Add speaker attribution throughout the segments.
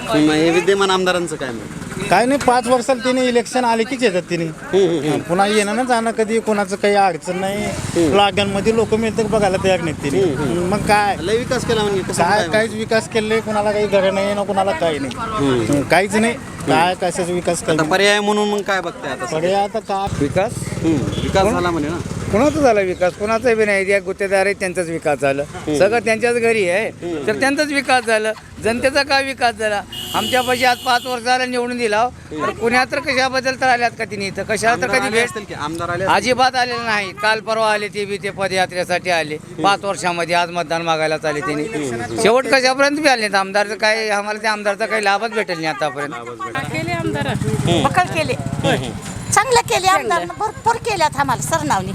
Speaker 1: हे विद्यमान आमदारांचं काय मग?
Speaker 2: काय नाही 5 वर्षाला तिने इलेक्शन आले कीच येतात तिने पुन्हा येणं ना जाणं कधी कोणाचं काही अडचण नाही लागणमध्ये लोक मिळतात बघायला तयार नाहीत तिने मग काय
Speaker 1: लय विकास केला म्हणजे कसं
Speaker 2: काय
Speaker 1: काय?
Speaker 2: काहीच विकास केले कोणाला काही घर नाही ना कोणाला काही नाही काहीच नाही काय कशाचा विकास
Speaker 1: आता
Speaker 2: केला
Speaker 1: पर्याय म्हणून मग काय बघताय आता?
Speaker 2: पडे आता काय
Speaker 3: विकास
Speaker 1: विकास झाला म्हणे ना.
Speaker 3: कोणाचा झाला विकास कोणाचा बी नाही ज्या गुत्तेदार आहे त्यांचाच विकास झाला सगळं त्यांच्याच घरी आहे तर त्यांचाच विकास झाला जनतेचा काय विकास झाला आमच्यापाशी आज 5 वर्षाला निवडून दिला तर पुण्यात तर कशाबद्दल तर आल्यात का तिने इथं कशाला तर
Speaker 1: आमदार
Speaker 3: कधी
Speaker 1: आले
Speaker 3: भेट
Speaker 1: असतील की अजिबात आले
Speaker 3: अजिबात आलेले नाही काल परवा आले ते बी ते पदयात्रेसाठी आले 5 वर्षामध्ये आज मतदान मागायलाच आले तिने शेवट कशापर्यंत बी आले नाहीत आमदारचं काय आम्हाला त्या आमदारचा काही लाभच भेटेल नाही आतापर्यंत
Speaker 4: केले आमदार
Speaker 5: बकल केले चांगलं केले आमदार भरपूर केल्यात आम्हाला सरनावणी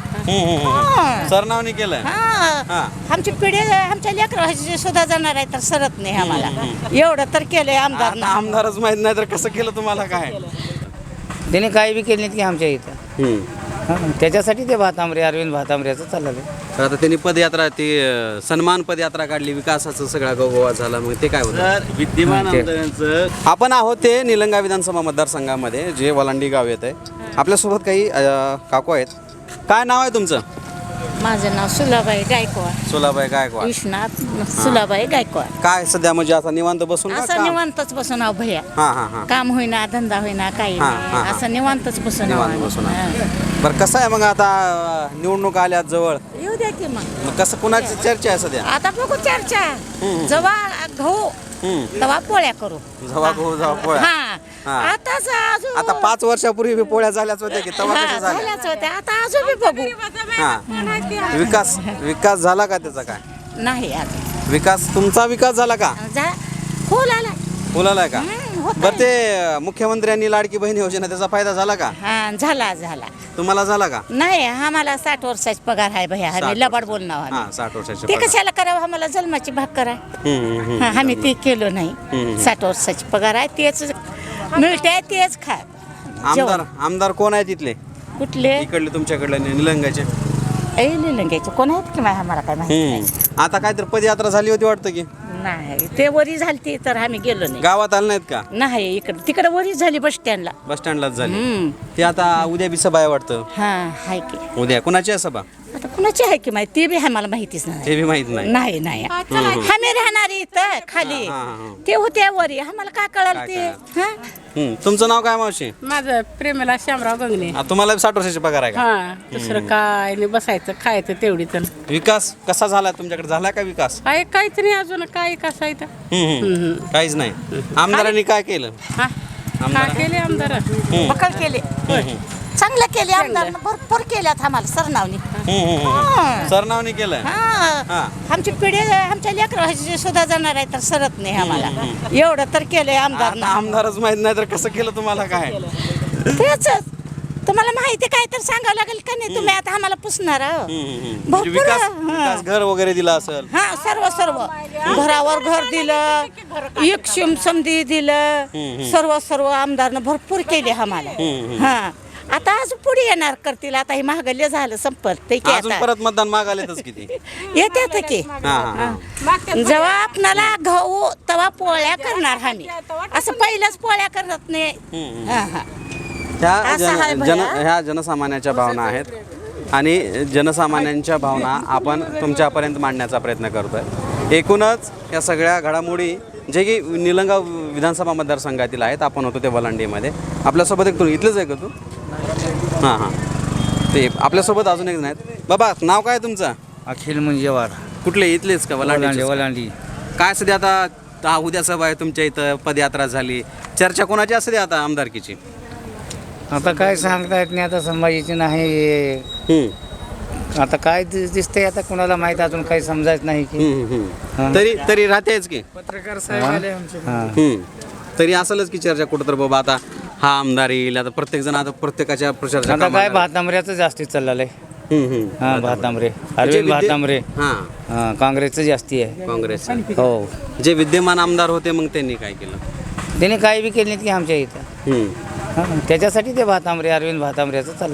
Speaker 1: सरनावणी केलंय.
Speaker 5: हा आमची पिढी आमच्या लेकराची सुद्धा जाणार आहे तर सरत नाही आम्हाला एवढं तर केलंय आमदार
Speaker 1: आता आमदारच माहित नाही तर कसं केलं तुम्हाला काय?
Speaker 3: त्याने काही बी केले नाहीत की आमच्या इथं त्याच्यासाठी ते भातांबरे अरविंद भातांबरेचं चाललं
Speaker 1: तर आता त्यांनी पदयात्रा ती सन्मान पदयात्रा काढली विकासाचं सगळा गोवा झाला मग ते काय होतं?
Speaker 6: विद्यमान आमदारांचं
Speaker 1: आपण आहोत ते निलंगा विधानसभा मतदारसंघामध्ये जे वलांडी गाव येत आहे. आपल्यासोबत काही काकू आहेत. काय नाव आहे तुमचं?
Speaker 5: माझं नाव सुलाबाई गायकवाड
Speaker 1: सोलाबाई गायकवाड.
Speaker 5: विश्वनाथ सुलाबाई गायकवाड
Speaker 1: काय सध्या म्हणजे आता निवांत बसून का
Speaker 5: असं
Speaker 1: काम?
Speaker 5: निवांतच बसून आहो भैया
Speaker 1: हां हां हां
Speaker 5: काम होईना धंदा होईना काही
Speaker 1: हा,
Speaker 5: नाही
Speaker 1: हा.
Speaker 5: असं निवांतच बसून आहो
Speaker 1: निवांत बसून
Speaker 5: आम्ही.
Speaker 1: बरं कसं आहे मग आता निवडणूक आल्यात जवळ
Speaker 5: हा. येऊ द्या की मग
Speaker 1: मग कसं कुणाची चर्चा आहे सध्या?
Speaker 5: आता बघू चर्चा जवा गहू तवा पोळ्या करू
Speaker 1: जवा गहू जवा पोळ्या.
Speaker 5: हा
Speaker 1: हा.
Speaker 5: आताच अजून
Speaker 1: आता 5 वर्षापूर्वी बी पोळ्या झाल्याच होत्या की तेव्हा
Speaker 5: हा,
Speaker 1: कशा झाल्या?
Speaker 5: झाल्याच होत्या आता अजून बी बघू
Speaker 1: हा विकास झाला का त्याचा काय?
Speaker 5: नाही अजून
Speaker 1: विकास तुमचा विकास झाला का?
Speaker 5: फुल आला
Speaker 1: फुलाला का?
Speaker 5: होतंय.
Speaker 1: बरं ते मुख्यमंत्र्यांनी लाडकी बहीण योजना त्याचा फायदा झाला का?
Speaker 5: हा झाला
Speaker 1: तुम्हाला झाला का?
Speaker 5: नाही आम्हाला 60 वर्षाचा पगार आहे भैया
Speaker 1: 60
Speaker 5: आम्ही लबाड बोलणार
Speaker 1: हा
Speaker 5: आम्ही
Speaker 1: 60 वर्षाचे
Speaker 5: ते
Speaker 1: पगार.
Speaker 5: कशाला करावं आम्हाला जन्माची भाग करा
Speaker 1: हम्म.
Speaker 5: हा, आम्ही ते केलं नाही 60 वर्षाची पगार आहे तेच मिळते तेच खा
Speaker 1: आमदार कोण आहे तिथले
Speaker 5: कुठले
Speaker 1: इकडले तुमच्याकडले निलंगाचे?
Speaker 5: लिलंग्याचे कोण आहेत की माहिती आम्हाला काय माहिती नाही.
Speaker 1: आता काहीतरी पदयात्रा झाली होती वाटतं की
Speaker 5: नाही ते वरी झाली तर आम्ही गेलो नाही
Speaker 1: गावात आले नाहीत का?
Speaker 5: नाही इकडे तिकडे वरी झाली बस स्टँडला
Speaker 1: बस स्टँडलाच झाली. ते आता उद्या बी सभा आहे वाटतं.
Speaker 5: हा हाय की
Speaker 1: उद्या कुणाची आहे सभा
Speaker 5: आता कुणाची आहे की माहिती ते बी आम्हाला माहितीच नाही
Speaker 1: ते बी माहित नाही.
Speaker 5: नाही नाही आम्ही राहणार इथं खाली ते होते वरी आम्हाला काय कळाल ते हा
Speaker 1: तुमचं नाव काय मावशी?
Speaker 4: माझं प्रेमाला श्यामराव गंगणे.
Speaker 1: तुम्हाला 60 वर्षाची पगार आहे का?
Speaker 4: हा दुसरं काय नाही बसायचं खायचं तेवढीच
Speaker 1: विकास कसा झाला तुमच्याकडे? झाला का विकास?
Speaker 4: काय काहीच नाही अजून काय कसं आहे तर
Speaker 1: काहीच नाही. आमदारांनी काय केलं?
Speaker 4: हा काय केले आमदार
Speaker 5: बकल केले चांगलं केले आमदार भरपूर केल्यात आम्हाला सरनावणी
Speaker 1: सरनावणी केलंय.
Speaker 5: हा आमची पिढी आमच्या लेकराची सुद्धा जाणार आहे तर सरत नाही आम्हाला एवढं तर केलंय आमदार
Speaker 1: आता आमदारच माहित नाही तर कसं केलं तुम्हाला काय?
Speaker 5: तेच तुम्हाला माहिती काय तर सांगावं लागेल का नाही तुम्ही आता आम्हाला पुसणार आहो. भरपूर
Speaker 1: विकास घर वगैरे दिला असेल.
Speaker 5: हा सर्व घरावर घर दिलं एक समधी दिलं सर्व आमदारनं भरपूर केले आम्हाला हा आता अजून पुढे येणार करतील आता हे महागल्य झालं संपत ते की
Speaker 1: अजून
Speaker 5: आता
Speaker 1: परत मतदान मागायलाच किती?
Speaker 5: येतात की
Speaker 1: हा.
Speaker 5: जेव्हा आपणाला गहू तवा पोळ्या करणार आम्ही असं पहिल्याच पोळ्या करत नाही हा, हा. असं आहे भैया.
Speaker 1: ह्या जनसामान्याच्या भावना आहेत आणि जनसामान्यांच्या भावना आपण तुमच्यापर्यंत मांडण्याचा प्रयत्न करतोय. एकूणच या सगळ्या घडामोडी जे की निलंगा विधानसभा मतदारसंघातील आहेत. आपण होतो ते वलांडीमध्ये. आपल्यासोबत एक तू इथलंच आहे का तू? हां ते आपल्यासोबत अजून एक नाहीत. बाबा नाव काय तुमचं?
Speaker 3: अखिल मुंजेवार
Speaker 1: कुठले इथलेच का वलांडी?
Speaker 3: वलांडी
Speaker 1: काय सध्या आता उद्या सभा आहे तुमच्या इथं पदयात्रा झाली चर्चा कोणाची असते आता आमदारकीची?
Speaker 3: आता काय सांगता येत नाही आता संभाजीची नाही आता काय दिसतंय आता कुणाला माहित अजून काही समजायच नाही की
Speaker 1: तरी राहतेच की
Speaker 3: पत्रकार साहेब आले आमचे
Speaker 1: तरी असेलच की चर्चा कुठं तर बाबा आता हा आमदार येईल आता प्रत्येक जण आता प्रत्येकाच्या प्रचार
Speaker 3: आता काय भातांबऱ्याचं जास्ती चाललंय हा भातांबरे अरविंद भातांबरे हा काँग्रेसचं जास्ती आहे
Speaker 1: काँग्रेस
Speaker 3: हो
Speaker 1: जे विद्यमान आमदार होते मग त्यांनी काय केलं?
Speaker 3: त्याने काही बी केले नाहीत की आमच्या इथं त्याच्यासाठी ते भातांबरे अरविंद भातांबरेचं चाललंय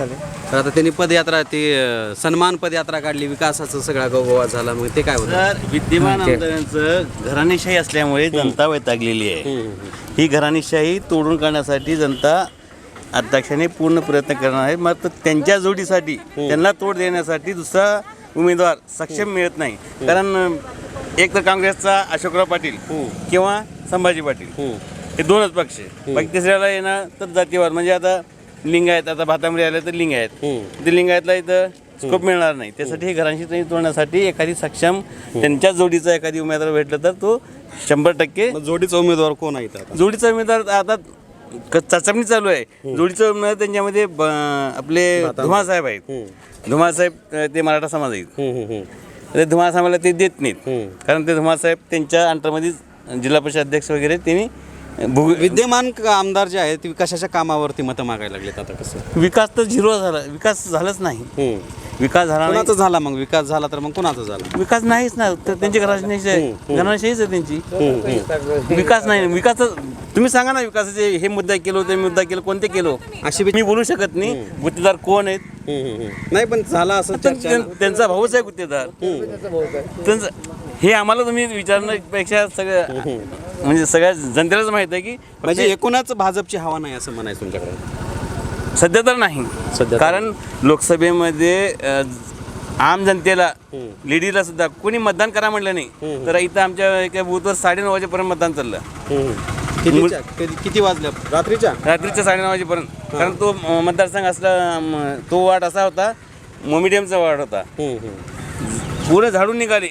Speaker 1: तर आता त्यांनी पदयात्रा ती सन्मान पदयात्रा काढली, विकासाचं सगळा गोवा झाला, मग ते काय होतं?
Speaker 6: तर विद्यमान आमदारांचं घराणेशाही असल्यामुळे जनता वैतागलेली आहे. ही घराणेशाही तोडून काढण्यासाठी जनता अध्यक्षाने पूर्ण प्रयत्न करणार आहे. मात्र त्यांच्या जोडीसाठी त्यांना तोड देण्यासाठी दुसरा उमेदवार सक्षम मिळत नाही. कारण एक तर काँग्रेसचा अशोकराव पाटील किंवा संभाजी पाटील हे दोनच पक्ष आहे. बाकी तिसऱ्याला येणार तर जातीवाद, म्हणजे आता लिंगायत, आता भातामध्ये आले तर लिंगायत, ते लिंगायतला इथं स्कोप मिळणार नाही. त्यासाठी हे घरांशी तोडण्यासाठी एखादी सक्षम त्यांच्या जोडीचा एखादी उमेदवार भेटला तर तो 100%
Speaker 1: मग जोडीचा उमेदवार कोण आहे आता?
Speaker 6: जोडीचा उमेदवार आता चाचपणी चालू आहे. जोडीचा उमेदवार त्यांच्यामध्ये आपले धुमासाहेब आहेत. धुमासाहेब ते मराठा समाज आहेत. ते धुमासाहेबाला ते देत नाहीत, कारण ते धुमासाहेब त्यांच्या अंतर्मध्ये जिल्हा परिषद अध्यक्ष वगैरे त्यांनी
Speaker 1: विद्यमान आमदार जे आहेत ते कशाच्या कामावरती मतं मागायला लागलेत आता? कसं
Speaker 6: विकास तर झिरो झाला, विकास झालाच नाही. विकास झाला नाही.
Speaker 1: कोणाचा झाला मग? विकास झाला तर मग कोणाचा झाला?
Speaker 6: विकास नाहीच ना, तर त्यांची घराण्याशाहीच आहे त्यांची. विकास नाही. विकास तुम्ही सांगा ना, विकासाचे हे मुद्दा केलो ते मुद्दा केलं, कोणते केलो अशी मी बोलू शकत नाही. गुत्तेदार कोण आहेत
Speaker 1: नाही, पण झाला असं चर्चा.
Speaker 6: त्यांचा भाऊच आहे गुत्तेदार. त्यांचं हे आम्हाला तुम्ही विचारण्यापेक्षा सगळं म्हणजे सगळ्या जनतेलाच माहित आहे की
Speaker 1: म्हणजे एकूणच भाजपची हवा नाही असं म्हणायचं तुमच्याकडे?
Speaker 6: सध्या तर नाही.
Speaker 1: सध्या
Speaker 6: कारण लोकसभेमध्ये आम जनतेला लेडीजला सुद्धा कोणी मतदान करा म्हटलं नाही. तर इथं आमच्या एका बूथवर 9:30 वाजेपर्यंत मतदान चाललं.
Speaker 1: किती वाजल्या? रात्रीच्या
Speaker 6: 9:30 वाजेपर्यंत. कारण तो मतदारसंघ असला, तो वार्ड असा होता, मोमिडियमचा वार्ड होता. पूर्ण झाडून निघाले.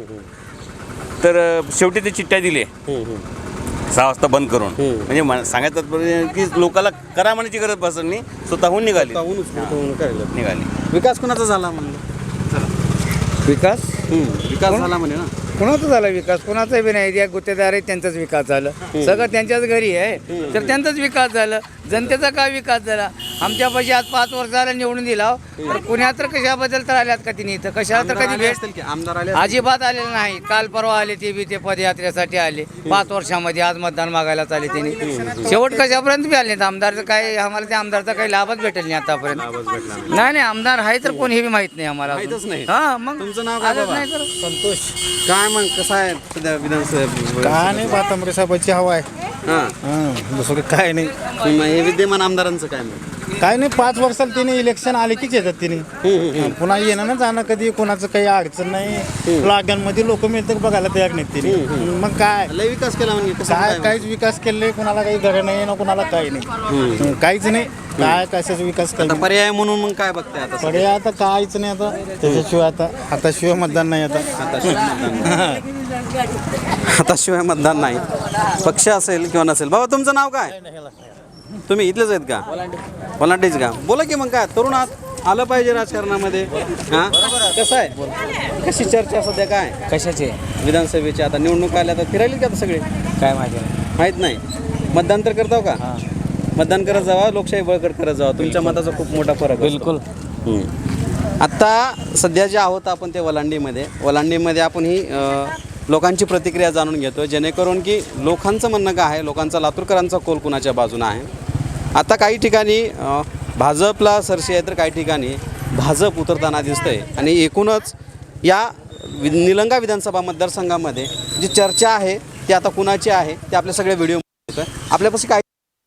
Speaker 6: तर शेवटी ते चिठ्ठ्या दिले 6 वाजता बंद करून. म्हणजे सांगायचं तात्पर्य की लोकांना करा म्हणायची गरज बसत नाही, स्वतःहून निघाली.
Speaker 1: विकास कोणाचा झाला म्हणलं?
Speaker 3: विकास
Speaker 1: विकास झाला म्हणे ना.
Speaker 3: कोणाचा झाला विकास? कोणाचा बी नाही. ज्या गुत्तेदार आहेत त्यांचाच विकास झाला. सगळं त्यांच्याच घरी आहे, तर त्यांचाच विकास झाला. जनतेचा काय विकास झाला? आमच्यापाशी आज 5 वर्ष झाला निवडून दिला, तर पुण्यात तर कशाबद्दल तर आल्यात का तिने इथं? कशाला तर कधी भेट
Speaker 1: असतील की आमदार आले?
Speaker 3: अजिबात आलेलं नाही. काल परवा आले ते बी, ते पदयात्रेसाठी आले 5 वर्षामध्ये. आज मतदान मागायलाच आले त्यांनी. शेवट कशापर्यंत बी आले नाहीत. आमदारचं काय, आम्हाला त्या आमदारचा काही लाभच भेटेल नाही आतापर्यंत. नाही नाही, आमदार आहे तर कोण हे बी माहित नाही आम्हाला.
Speaker 1: माहीतच नाही.
Speaker 3: हा, मग
Speaker 1: तुमचं नाव काय
Speaker 3: आलंच
Speaker 1: बाबा?
Speaker 3: नाही तर
Speaker 2: संतोष.
Speaker 1: काय मग कसं आहे सध्या विधानसभा?
Speaker 2: काय नाही, भातांबरे साहेबांची हवा आहे.
Speaker 1: हां,
Speaker 2: दुसरं काय नाही.
Speaker 1: हे विद्यमान आमदारांचं काय मग?
Speaker 2: काय नाही, 5 वर्षाला तिने इलेक्शन आले कीच येतात तिने. पुन्हा येणं ना जाणं कधी कोणाचं काही अडचण नाही. लागणमध्ये लोक मिळतात बघायला तयार नाहीत तिने. मग काय
Speaker 1: लय विकास केला म्हणजे कसं
Speaker 2: काय
Speaker 1: काय?
Speaker 2: काहीच विकास केले, कोणाला काही घर नाही ना कोणाला काही नाही. काहीच नाही. काय कशाचा विकास
Speaker 1: आता
Speaker 2: काही
Speaker 1: पर्याय म्हणून मग काय बघताय आता?
Speaker 2: कडे आता काहीच नाही. आता त्याच्याशिवाय आता शिवाय मतदान नाही.
Speaker 1: आता शिवाय मतदान नाही. पक्ष असेल किंवा नसेल. बाबा तुमचं नाव काय? तुम्ही इथलेच आहेत का? वलांडीच का? बोला की मग काय, तरुण आहात, आलं पाहिजे राजकारणामध्ये. हां, कसं आहे, कशी चर्चा सध्या काय
Speaker 3: कशाचे
Speaker 1: विधानसभेची? आता निवडणूक आल्या तर फिरायली का आता सगळे?
Speaker 3: काय माहिती
Speaker 1: माहीत नाही. मतदान तर करताव का? मतदान करत जावा, लोकशाही बळकट करत जावा. तुमच्या मताचा खूप मोठा फरक असतो.
Speaker 3: बिलकुल.
Speaker 1: आत्ता सध्या जे आहोत आपण ते वलांडीमध्ये आपण ही लोकांची प्रतिक्रिया जाणून घेतो, जेणेकरून की लोकांचं म्हणणं काय आहे, लोकांचा लातूरकरांचा कोल कुणाच्या बाजूनं आहे. आता काही ठिकाणी भाजपला सरशी आहे, तर काही ठिकाणी भाजप उतरताना दिसतंय. आणि एकूणच या निलंगा विधानसभा मतदारसंघामध्ये जी चर्चा आहे ती आता कुणाची आहे ते आपल्या सगळ्या व्हिडिओ आपल्यापाशी काय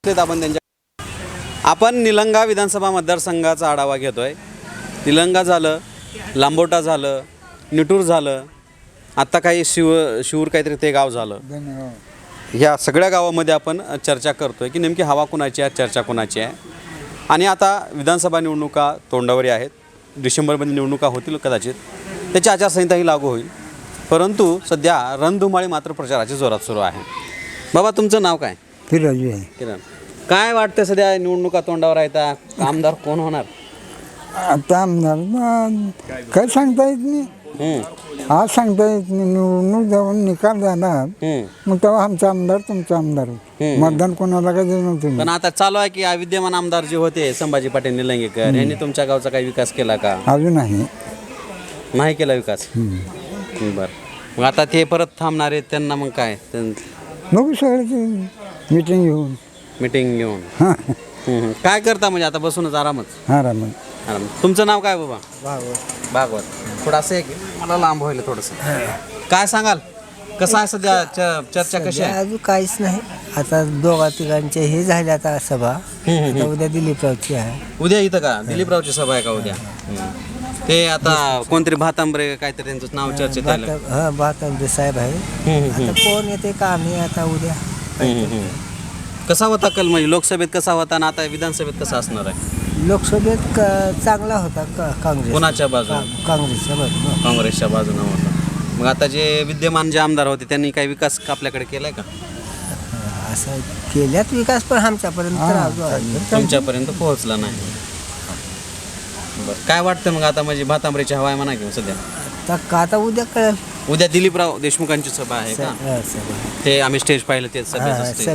Speaker 1: आपण निलंगा विधानसभा मतदारसंघाचा आढावा घेतोय. निलंगा झालं, लांबोटा झालं, निटूर झालं, आत्ता काही शिवूर काहीतरी ते गाव झालं. ह्या सगळ्या गावामध्ये आपण चर्चा करतोय की नेमकी हवा कुणाची आहे, चर्चा कुणाची आहे. आणि आता विधानसभा निवडणुका तोंडावरी आहेत. डिसेंबरमध्ये निवडणुका होतील कदाचित, त्याची आचारसंहिताही लागू होईल. परंतु सध्या रणधुमाळी मात्र प्रचाराची जोरात सुरू आहे. बाबा तुमचं नाव काय?
Speaker 7: फिराजी आहे.
Speaker 1: किरण, काय वाटतं सध्या निवडणुका तोंडावर आहेत, आमदार कोण होणार?
Speaker 7: आता आमदार काय सांगता येत नाही. आज सांगता येत नाही. निवडणूक जाऊन निकाल जाणार मग तेव्हा आमचा आमदार तुमचा आमदार. मतदान कोणाला काय देणार तुम्ही?
Speaker 1: पण आता चालू आहे की विद्यमान आमदार जे होते संभाजी पाटील निलंगेकर यांनी तुमच्या गावचा काही विकास केला का?
Speaker 7: अजून
Speaker 1: नाही केला विकास. बरं, मग आता ते परत थांबणार आहेत, त्यांना मग काय
Speaker 7: बघू सगळ्याची मीटिंग घेऊन
Speaker 1: मीटिंग घेऊन
Speaker 7: हां
Speaker 1: काय करता म्हणजे आता बसूनच आरामच?
Speaker 7: आरामात.
Speaker 1: तुमचं नाव काय बाबा? भागवत. थोडं असं आहे की मला लांब व्हायला थोडंसं. काय सांगाल, कसं आहे सध्या चर्चा कशी आहे?
Speaker 8: अजून काहीच नाही. आता दोघा तिघांचे हे झाले आता सभा. आता उद्या दिलीपरावची आहे.
Speaker 1: उद्या इथं का दिलीपरावची सभा आहे का उद्या? ते आता कोणतरी भातांबरे काहीतरी त्यांचं नाव चर्चेत आलं.
Speaker 8: हा भातांबरे साहेब आहे. आता कोण येते का आम्ही आता उद्या
Speaker 1: कसा होता कल, म्हणजे लोकसभेत कसा होता आणि आता विधानसभेत कसा असणार आहे?
Speaker 8: लोकसभेत चांगला होता काँग्रेस.
Speaker 1: कोणाच्या बाजूने?
Speaker 8: काँग्रेसच्या बाजूने.
Speaker 1: काँग्रेसच्या बाजूने होता. मग आता जे विद्यमान जे आमदार होते त्यांनी काही विकास आपल्याकडे केलाय का?
Speaker 8: असं केल्यात विकास पण आमच्यापर्यंत
Speaker 1: तुमच्यापर्यंत पोहोचला नाही. बरं, काय वाटतं मग आता, म्हणजे भातांबरेची हवा आहे म्हणा की सध्या?
Speaker 8: आता उद्या कळेल.
Speaker 1: उद्या दिलीपराव देशमुखांची सभा आहे का? ते आम्ही स्टेज पाहिलं ते सभेचं stage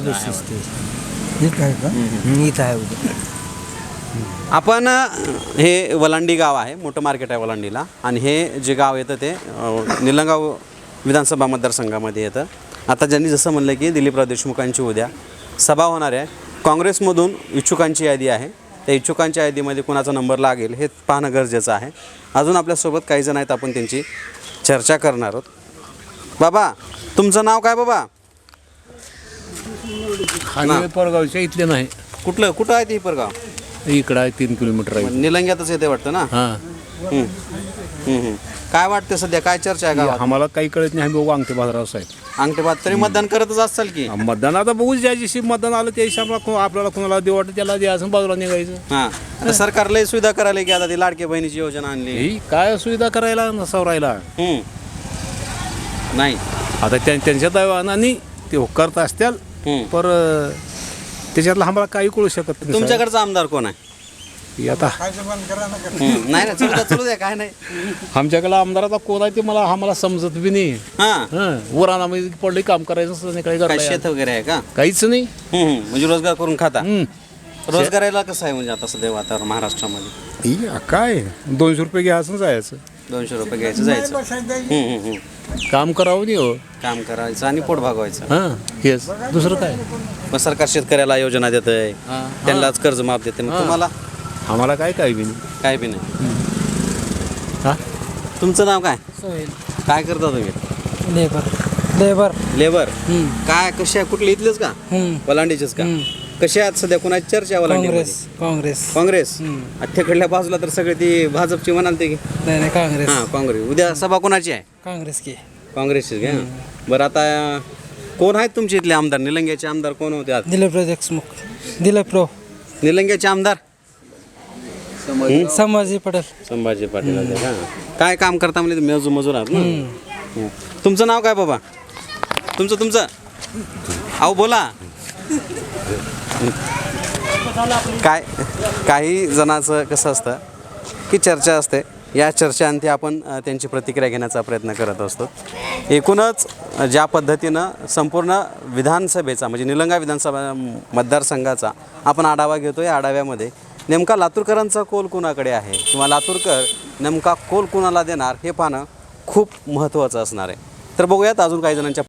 Speaker 1: आहे.
Speaker 8: इथं आहे उद्या.
Speaker 1: आपण हे वलांडी गाव आहे, मोठं मार्केट आहे वलांडीला, आणि हे जे गाव येतं ते निलंगाव विधानसभा मतदारसंघामध्ये येतं. आता ज्यांनी जसं म्हणलं की दिलीपराव देशमुखांची उद्या सभा होणार आहे. काँग्रेसमधून इच्छुकांची यादी आहे. त्या इच्छुकांच्या यादीमध्ये कुणाचा नंबर लागेल हे पाहणं गरजेचं आहे. अजून आपल्यासोबत काही जण आहेत, आपण त्यांची चर्चा करणार आहोत. बाबा, तुमचं नाव काय बाबा?
Speaker 9: परगावच्या इथले नाही,
Speaker 1: कुठं आहे ते हिपरगाव?
Speaker 9: इकडं आहे 3 किलोमीटर आहे.
Speaker 1: निलंग्यातच येते वाटतं ना?
Speaker 9: हां,
Speaker 1: काय वाटतं सध्या, काय चर्चा आहे गावात?
Speaker 9: आम्हाला काही कळत नाही. आम्ही बघू अंगठे बाजाराव साहेब.
Speaker 1: अंगठेबाद तरी मतदान करतच असाल की?
Speaker 9: मतदान आता बघू, ज्या दिवशी मतदान आलं त्या दिवशी आपल्याला कोणाला देऊ वाटतं त्याला द्यायचं, बाजूला निघायचं.
Speaker 1: हां, आता सरकार लय सुविधा करायला की आता ती लाडकी बहिणीची योजना आणली.
Speaker 9: ही काय सुविधा करायला नसावरायला
Speaker 1: नाही.
Speaker 9: आता त्यांच्या दैवानाने ते करत असतील, पर त्याच्यातलं आम्हाला काही कळू शकत नाही.
Speaker 1: तुमच्याकडचा आमदार कोण आहे?
Speaker 9: आता
Speaker 1: नाही, चलू द्या, काय नाही.
Speaker 9: आमच्याकडे आमदाराचा कोण आहे ते आम्हाला समजत बी नाही.
Speaker 1: हां,
Speaker 9: वरानामध्ये पडले काम करायचं संध्याकाळी
Speaker 1: काय
Speaker 9: करायचं
Speaker 1: शेत वगैरे आहे का?
Speaker 9: काहीच नाही.
Speaker 1: म्हणजे रोजगार करून खाता.
Speaker 9: हम्म.
Speaker 1: रोजगाराला कसं आहे म्हणजे आता सध्या वातावरण महाराष्ट्रामध्ये?
Speaker 9: काय 200 रुपये घ्यायचं जायचं,
Speaker 1: 200 रुपये घ्यायचं जायचं.
Speaker 9: काम करावं नाही हो,
Speaker 1: काम करायचं आणि पोट भागवायचं.
Speaker 9: हां हेच, दुसरं काय.
Speaker 1: मग सरकार शेतकऱ्याला योजना देत आहे, त्यांनाच कर्ज माफ देते. मग तुम्हाला
Speaker 9: आम्हाला काय बी नाही.
Speaker 1: काय बी नाही.
Speaker 9: हां,
Speaker 1: तुमचं नाव काय? काय करता तुम्ही?
Speaker 8: लेबर.
Speaker 1: लेबर. काय कशा, कुठले इथलेच का? वलांडीचेच का? कशा आहेत सध्या, कोणाची चर्चा वलांडीमध्ये? काँग्रेस. अठ्ठेकडल्या बाजूला तर सगळे ती भाजपची म्हणाल ते की?
Speaker 8: नाही काँग्रेस.
Speaker 1: हां, काँग्रेस. उद्या सभा कोणाची आहे?
Speaker 8: काँग्रेस की.
Speaker 1: काँग्रेसची घ्या. बरं, आता कोण आहेत तुमचे इथले आमदार? निलंग्याचे आमदार कोण होते आज?
Speaker 8: दिलीपराव देशमुख. दिलीपराव.
Speaker 1: निलंग्याचे आमदार
Speaker 8: संभाजी पटेल.
Speaker 1: संभाजी पाटील होते का? काय काम करता म्हणजे मजूर आहात ना? तुमचं नाव काय बाबा? तुमचं अहो बोला. काय काही जणांचं कसं असतं की चर्चा असते, या चर्चांती आपण त्यांची प्रतिक्रिया घेण्याचा प्रयत्न करत असतो. एकूणच ज्या पद्धतीनं संपूर्ण विधानसभेचा म्हणजे निलंगा विधानसभा मतदारसंघाचा आपण आढावा घेतो, या आढाव्यामध्ये नेमका लातूरकरांचा कोल कुणाकडे आहे किंवा लातूरकर नेमका कोल कुणाला देणार हे पाहणं खूप महत्त्वाचं असणार आहे. तर बघूयात अजून काही जणांच्या